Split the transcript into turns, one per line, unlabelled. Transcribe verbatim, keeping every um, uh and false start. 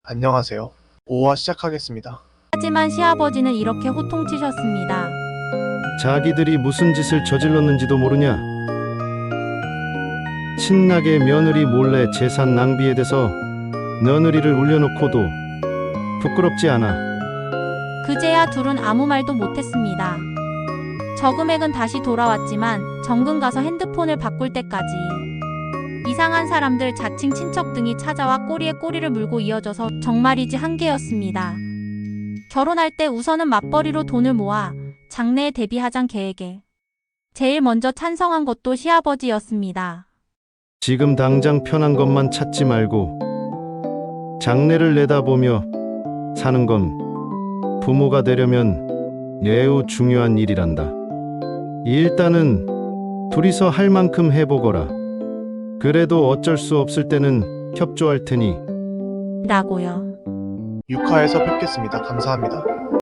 안녕하세요. 오화 시작하겠습니다.
하지만 시아버지는 이렇게 호통치셨습니다.
자기들이 무슨 짓을 저질렀는지도 모르냐? 친나게 며느리 몰래 재산 낭비에 대서 며느리를 울려놓고도 부끄럽지 않아.
그제야 둘은 아무 말도 못했습니다. 저금액은 다시 돌아왔지만 정금 가서 핸드폰을 바꿀 때까지 이상한 사람들, 자칭 친척 등이 찾아와 꼬리에 꼬리를 물고 이어져서 정말이지 한계였습니다. 결혼할 때 우선은 맞벌이로 돈을 모아 장래에 대비하잔 계획에 제일 먼저 찬성한 것도 시아버지였습니다.
지금 당장 편한 것만 찾지 말고 장래를 내다보며 사는 건 부모가 되려면 매우 중요한 일이란다. 일단은 둘이서 할 만큼 해보거라. 그래도 어쩔 수 없을 때는 협조할 테니.
라고요.
육 화에서 뵙겠습니다. 감사합니다.